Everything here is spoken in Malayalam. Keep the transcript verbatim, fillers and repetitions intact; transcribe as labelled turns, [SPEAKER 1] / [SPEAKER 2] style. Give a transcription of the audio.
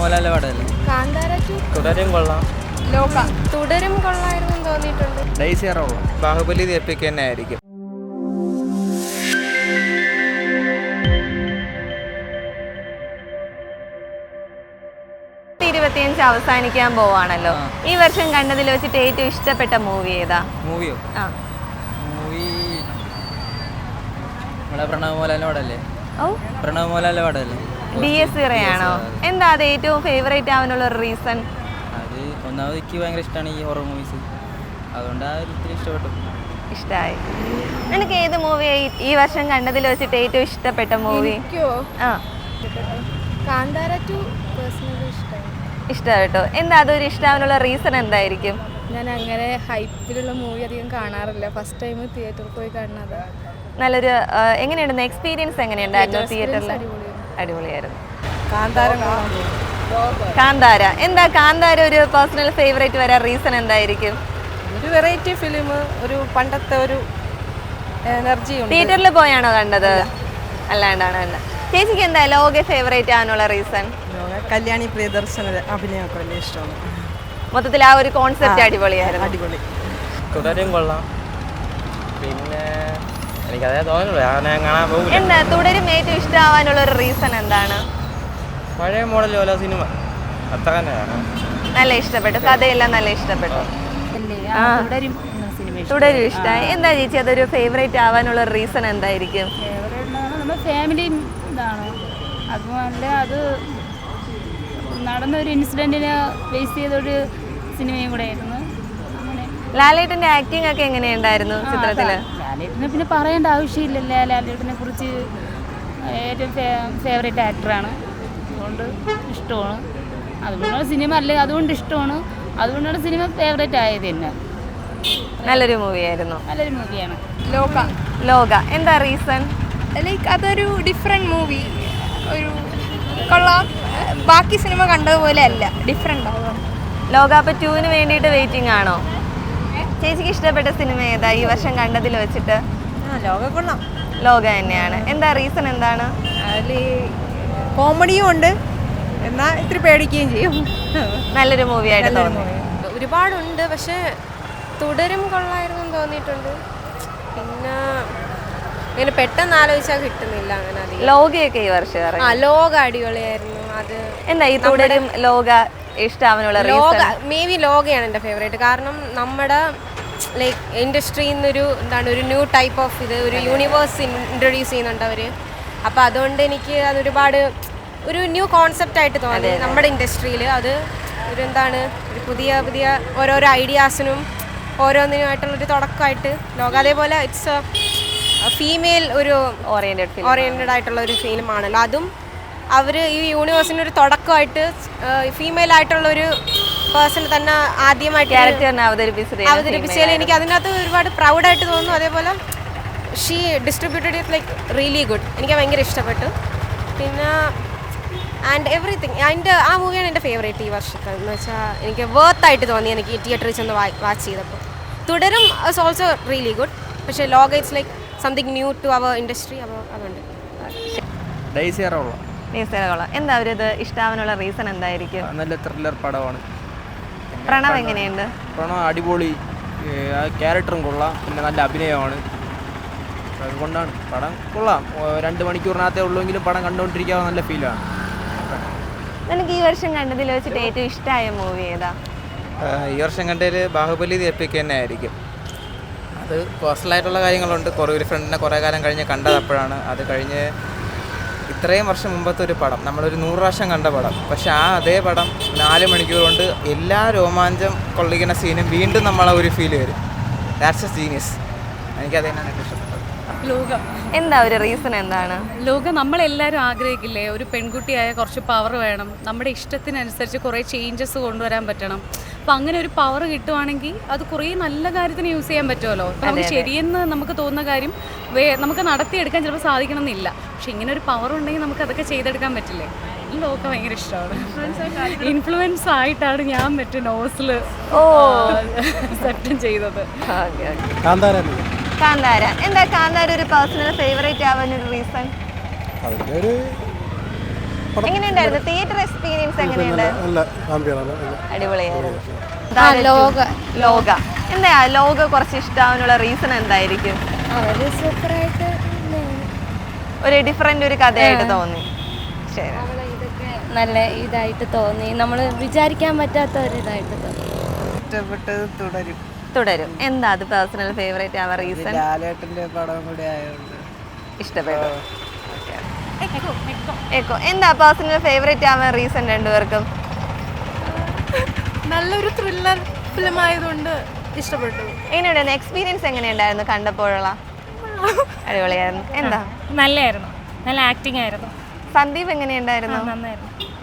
[SPEAKER 1] പ്രണവമോഹൻലാലിന്റെ പടമല്ലേ?
[SPEAKER 2] കാന്താര ടു
[SPEAKER 1] തുടരും കൊള്ളാം.
[SPEAKER 2] ലോക തുടരും കൊള്ളായിരുന്നു തോന്നിയിട്ടുണ്ട്.
[SPEAKER 1] ഡൈസി കൊള്ളാം. ബാഹുബലി എപ്പിക് തന്നെ ആയിരിക്കും.
[SPEAKER 3] ഇരുപത്തിയഞ്ച് അവസാനിക്കാൻ പോവാണല്ലോ. ഈ വർഷം കണ്ടതിൽ വെച്ചിട്ട് ഏറ്റവും ഇഷ്ടപ്പെട്ട മൂവി ഏതാ?
[SPEAKER 1] മൂവിയോ?
[SPEAKER 3] ആ
[SPEAKER 1] മൂവി നമ്മുടെ പ്രണവമോഹൻലാലിന്റെ പടമല്ലേ?
[SPEAKER 3] ഓ
[SPEAKER 1] പ്രണവമോഹൻലാലിന്റെ പടമല്ലേ?
[SPEAKER 3] D S ഇറയാണോ? എന്താ അത് ഏറ്റവും ഫേവറേറ്റ് ആവാനുള്ള ഒരു റീസൺ?
[SPEAKER 1] അത് ഒന്നാമത് എനിക്ക് ഭയങ്കര ഇഷ്ടമാണ് ഈ ഹൊറർ മൂവീസ്, അതുകൊണ്ട് ആ ഒരു ഇത്തിരി ഇഷ്ടപ്പെട്ടു.
[SPEAKER 3] ഇഷ്ടമായി. നിനക്ക് ഏത് മൂവിയായി ഈ വർഷം കണ്ടതിൽ വെച്ചിട്ട് ഏറ്റവും ഇഷ്ടപ്പെട്ട മൂവി? ആ
[SPEAKER 2] കാന്താര ടു പേഴ്സണലി ഇഷ്ടമായി.
[SPEAKER 3] ഇഷ്ടമായിട്ടോ? എന്താ അതൊരു ഇഷ്ടമാവാനുള്ള റീസൺ എന്തായിരിക്കും?
[SPEAKER 2] ഞാൻ അങ്ങനെ ഹൈപ്പിലുള്ള മൂവി അധികം കാണാറില്ല. ഫസ്റ്റ് ടൈം തിയേറ്ററിൽ പോയി കാണുന്നത്.
[SPEAKER 3] നല്ലൊരു എങ്ങനെയുണ്ടായിരുന്നു എക്സ്പീരിയൻസ്? എങ്ങനെയുണ്ടായിരുന്നു തിയേറ്ററിൽ? അടിപൊളിയായിരുന്നു. കാന്താര എന്താ കാന്താര ഒരു പേഴ്സണൽ ഫേവറേറ്റ് വരാൻ റീസൺ എന്തായിരിക്കും?
[SPEAKER 4] ഒരു വെറൈറ്റി ഫിലിം, ഒരു പണ്ടത്തെ ഒരു എനർജി.
[SPEAKER 3] തിയേറ്ററിൽ പോയാണോ കണ്ടത്? അല്ലാണ്ടാണ് കണ്ടത്. ചേച്ചിക്ക് എന്താ ലോക ഫേവറേറ്റ് ആവാനുള്ള റീസൺ?
[SPEAKER 4] കല്യാണി പ്രിയദർശന അഭിനയമൊക്കെ വലിയ ഇഷ്ടമാണ്.
[SPEAKER 3] മൊത്തത്തിൽ ആ ഒരു കോൺസെപ്റ്റ് അടിപൊളിയായിരുന്നു.
[SPEAKER 4] അടിപൊളി.
[SPEAKER 1] തുടരും കൊള്ളാം. പിന്നെ എനിക്കതേ തോന്നുന്നു, ഞാൻ കാണാൻ പോകില്ല.
[SPEAKER 3] എന്താ തുടരും ഏറ്റവും ഇഷ്ടമാവാനുള്ള ഒരു റീസൺ എന്താണ്?
[SPEAKER 1] പഴയ മോഡൽ ഓല സിനിമ അത്ര തന്നെ
[SPEAKER 3] നല്ല ഇഷ്ടപ്പെട്ടു, കഥയെല്ലാം നല്ല ഇഷ്ടപ്പെട്ടു. തുടരും ഇഷ്ടമായി. എന്താ ചേച്ചി അതൊരു ഫേവറേറ്റ് ആവാനുള്ള റീസൺ എന്തായിരിക്കും?
[SPEAKER 5] നമ്മുടെ ഫാമിലി ഇതാണ്, അതുപോലെ അത് നടന്നൊരു ഇൻസിഡൻറ്റിനെ ബേസ് ചെയ്തൊരു സിനിമയും കൂടെ ആയിരുന്നു. അങ്ങനെ
[SPEAKER 3] ലാലേട്ടൻ്റെ ആക്ടിങ് ഒക്കെ എങ്ങനെയുണ്ടായിരുന്നു ചിത്രത്തില്?
[SPEAKER 5] ലാലേട്ടനെ പിന്നെ പറയേണ്ട ആവശ്യമില്ലല്ലോ. ലാലേട്ടനെ കുറിച്ച് ഏറ്റവും ഫേവറേറ്റ് ആക്ടറാണ്, അതുകൊണ്ട് ഇഷ്ടമാണ്. അതുകൊണ്ടാണ് സിനിമ അല്ലേ, അതുകൊണ്ട് ഇഷ്ടമാണ്, അതുകൊണ്ടാണ് സിനിമ ഫേവറേറ്റ് ആയത് തന്നെ.
[SPEAKER 3] നല്ലൊരു മൂവിയായിരുന്നു.
[SPEAKER 5] നല്ലൊരു മൂവിയാണ്
[SPEAKER 2] ലോക.
[SPEAKER 3] ലോക എന്താ റീസൺ?
[SPEAKER 2] ലൈക്ക് അതൊരു ഡിഫറെൻറ്റ് മൂവി, ഒരു കൊള്ളാം. ബാക്കി സിനിമ കണ്ടതുപോലെ അല്ല, ഡിഫറെൻ്റ് ആവും.
[SPEAKER 3] ലോക അപ്പൊ ടൂവിന് വേണ്ടിയിട്ട് വെയിറ്റിംഗ് ആണോ? ചേച്ചിക്ക് ഇഷ്ടപ്പെട്ട സിനിമ ഏതാ ഈ വർഷം കണ്ടതിൽ വെച്ചിട്ട്?
[SPEAKER 4] ലോക കൊള്ളാം.
[SPEAKER 3] ലോക തന്നെയാണ്. എന്താ റീസൺ എന്താണ്?
[SPEAKER 4] അതിൽ കോമഡിയും ഉണ്ട്, എന്നാൽ ഇത്തിരി പേടിക്കുകയും ചെയ്യും.
[SPEAKER 3] നല്ലൊരു മൂവി ആയിട്ട് തോന്നി.
[SPEAKER 2] ഒരുപാടുണ്ട്, പക്ഷേ തുടരും കൊള്ളായിരുന്നു തോന്നിയിട്ടുണ്ട്. പിന്നെ ഇങ്ങനെ പെട്ടെന്ന് ആലോചിച്ചാൽ കിട്ടുന്നില്ല അങ്ങനെ അധികം.
[SPEAKER 3] ലോകയൊക്കെ ഈ വർഷം
[SPEAKER 2] ആ
[SPEAKER 3] ഇറങ്ങി.
[SPEAKER 2] ലോക അടിപൊളിയായിരുന്നു. അത്
[SPEAKER 3] എന്താ ഈ തുടരും ലോക ഇഷ്ടാവാനുള്ള
[SPEAKER 2] ലോക
[SPEAKER 3] റീസൺ?
[SPEAKER 2] മേ ബി ലോകയാണ് എൻ്റെ ഫേവറേറ്റ്. കാരണം നമ്മുടെ ലൈക്ക് ഇൻഡസ്ട്രിയിൽ നിന്നൊരു എന്താണ് ഒരു ന്യൂ ടൈപ്പ് ഓഫ് ഇത് ഒരു യൂണിവേഴ്സ് ഇൻട്രൊഡ്യൂസ് ചെയ്യുന്നുണ്ട് അവർ. അപ്പോൾ അതുകൊണ്ട് എനിക്ക് അതൊരുപാട് ഒരു ന്യൂ കോൺസെപ്റ്റ് ആയിട്ട് തോന്നി നമ്മുടെ ഇൻഡസ്ട്രിയിൽ. അത് ഒരു എന്താണ് ഒരു പുതിയ പുതിയ ഓരോരോ ഐഡിയാസിനും ഓരോന്നിനുമായിട്ടുള്ളൊരു തുടക്കമായിട്ട് ലോക. അതേപോലെ ഇറ്റ്സ് ഫീമെയിൽ ഒരു
[SPEAKER 3] ഓറിയന്റഡ്
[SPEAKER 2] ഓറിയന്റഡ് ആയിട്ടുള്ള ഒരു ഫിലിമാണല്ലോ. അതും അവർ ഈ യൂണിവേഴ്സിൻ്റെ ഒരു തുടക്കമായിട്ട് ഫീമെയിൽ ആയിട്ടുള്ള ഒരു പേഴ്സൺ തന്നെ ആദ്യമായിട്ട്
[SPEAKER 3] ക്യാരക്ടറിനെ അവതരിപ്പിച്ചത്
[SPEAKER 2] അവതരിപ്പിച്ചതിൽ എനിക്ക് അതിനകത്ത് ഒരുപാട് പ്രൗഡായിട്ട് തോന്നുന്നു. അതേപോലെ she distributed it like really good. എനിക്ക് ഭയങ്കര ഇഷ്ടപ്പെട്ടു. പിന്നെ ആൻഡ് എവറിത്തിങ് അതിൻ്റെ ആ മൂവിയാണ് എൻ്റെ ഫേവറേറ്റ് ഈ വർഷത്തെ എന്ന് വെച്ചാൽ എനിക്ക് വേർത്തായിട്ട് തോന്നി എനിക്ക് തിയേറ്ററിൽ ചെന്ന് വാച്ച് ചെയ്തപ്പോൾ. തുടരും ഇസ് ഓൾസോ റിയലി ഗുഡ്, പക്ഷേ Lokah it's like something new to our industry. അപ്പോൾ അതുകൊണ്ട്
[SPEAKER 1] ഡൈസി കൊള്ളാം.
[SPEAKER 3] ന്യൂസുകളോളം എന്താ അവരത് ഇഷ്ടാവാനുള്ള റീസൺ എന്തായിരിക്കും?
[SPEAKER 1] നല്ല ത്രില്ലർ പടമാണ്.
[SPEAKER 3] പ്രണവ് എങ്ങനെയുണ്ട്?
[SPEAKER 1] പ്രണവ് അടിപൊളി, ആ ക്യാരക്ടറും കൊള്ളാം, പിന്നെ നല്ല അഭിനയമാണ്. അതുകൊണ്ടാണ് പടം കൊള്ളാം. രണ്ട് മണിക്കൂറിനകത്തേ ഉള്ളൂവെങ്കിലും പടം കണ്ടുകൊണ്ടിരിക്കാവുന്ന നല്ല ഫീലാണ്.
[SPEAKER 3] നിനക്ക് ഈ വർഷം കണ്ടതിൽ വെച്ചിട്ട് ഏറ്റവും ഇഷ്ടമായ മൂവി ഏതാ?
[SPEAKER 1] ഈ വർഷം കണ്ടതിൽ ബാഹുബലി എപ്പിക് തന്നെ ആയിരിക്കും. അത് പേഴ്സണലായിട്ടുള്ള കാര്യങ്ങളുണ്ട്. കുറേ ഒരു ഫ്രണ്ടിനെ കുറേ കാലം കഴിഞ്ഞ് കണ്ടത് അപ്പോഴാണ്. അത് കഴിഞ്ഞ് ഇത്രയും വർഷം മുമ്പത്തെ ഒരു പടം, നമ്മളൊരു നൂറ് പ്രാവശ്യം കണ്ട പടം, പക്ഷെ ആ അതേ പടം നാല് മണിക്കൂർ കൊണ്ട് എല്ലാ രോമാഞ്ചം കൊള്ളിക്കുന്ന സീനും വീണ്ടും നമ്മളെ ഒരു ഫീൽ വരും. That's a genius. എനിക്കത് തന്നെയാണ് ഏറ്റവും ഇഷ്ടപ്പെട്ടത്.
[SPEAKER 5] ലോക.
[SPEAKER 3] എന്താ ഒരു റീസൺ എന്താണ്?
[SPEAKER 5] ലോക നമ്മളെല്ലാവരും ആഗ്രഹിക്കില്ലേ, ഒരു പെൺകുട്ടിയായ കുറച്ച് പവർ വേണം, നമ്മുടെ ഇഷ്ടത്തിനനുസരിച്ച് കുറേ ചേഞ്ചസ് കൊണ്ടുവരാൻ പറ്റണം. അപ്പം അങ്ങനെ ഒരു പവർ കിട്ടുവാണെങ്കിൽ അത് കുറേ നല്ല കാര്യത്തിന് യൂസ് ചെയ്യാൻ പറ്റുമല്ലോ. അപ്പം നമുക്ക് ശരിയെന്ന് നമുക്ക് തോന്നുന്ന കാര്യം വേ നമുക്ക് നടത്തിയെടുക്കാൻ ചിലപ്പോൾ സാധിക്കണം എന്നില്ല, പക്ഷെ ഇങ്ങനെ ഒരു പവർ ഉണ്ടെങ്കിൽ നമുക്ക് അതൊക്കെ ചെയ്തെടുക്കാൻ പറ്റില്ലേ. ലോക ഭയങ്കര ഇഷ്ടമാണ്. ഇൻഫ്ലുവൻസ് ആയിട്ടാണ് ഞാൻ മറ്റേ നോസിൽ
[SPEAKER 3] ഓ
[SPEAKER 5] സെപ്റ്റം ചെയ്തത്.
[SPEAKER 3] കാന്താര എന്താ കാന്താര ഒരു പേഴ്സണൽ ഫേവറേറ്റ് ആവാൻ ഒരു റീസൺ?
[SPEAKER 6] അതിൻ്റെ ഒരു
[SPEAKER 3] എങ്ങനെയുണ്ടായിരുന്നു തിയേറ്റർ എക്സ്പീരിയൻസ്? എങ്ങനെയുണ്ട്? അടിപൊളിയായിരുന്നു.
[SPEAKER 2] ലോക
[SPEAKER 3] ലോക എന്താ ലോക കുറച്ച് ഇഷ്ടാവാനുള്ള റീസൺ എന്തായിരിക്കും?
[SPEAKER 2] അവര് സൂപ്പറായിട്ട്
[SPEAKER 3] ഒരു ഡിഫറെന്റ് ഒരു കഥയായിട്ട് തോന്നി. ശരി,
[SPEAKER 2] ഇതൊക്കെ നല്ല ഇതായിട്ട് തോന്നി, നമ്മൾ വിചാരിക്കാൻ പറ്റാത്ത ഒരു ഇതായിട്ട് തോന്നി.
[SPEAKER 6] ഇഷ്ടപ്പെട്ടത് തുടരും.
[SPEAKER 3] തുടരും. എന്താ അത് പേഴ്സണൽ ഫേവറേറ്റ് ആവാൻ റീസൺ?
[SPEAKER 6] ലാലേട്ടന്റെ പടം കൂടി ആയതുകൊണ്ട്
[SPEAKER 3] ഇഷ്ടപ്പെട്ടു. എക്കോ എന്താ പേഴ്സണൽ ഫേവറേറ്റ് ആവാൻ റീസൺ രണ്ടുപേർക്കും?
[SPEAKER 4] നല്ലൊരു ത്രില്ലർ ഫിലിം ആയതുകൊണ്ട് ഇഷ്ടപ്പെട്ടു.
[SPEAKER 3] എങ്ങനെയുണ്ടായിരുന്നു എക്സ്പീരിയൻസ്? എങ്ങനെയുണ്ടായിരുന്നു കണ്ടപ്പോഴുള്ള? അടിപൊളിയായിരുന്നു. എന്താ?
[SPEAKER 7] നല്ലായിരുന്നു, നല്ല ആക്ടിങ് ആയിരുന്നു.
[SPEAKER 3] സന്ദീപ് എങ്ങനെയുണ്ടായിരുന്നു?
[SPEAKER 7] നന്നായിരുന്നു.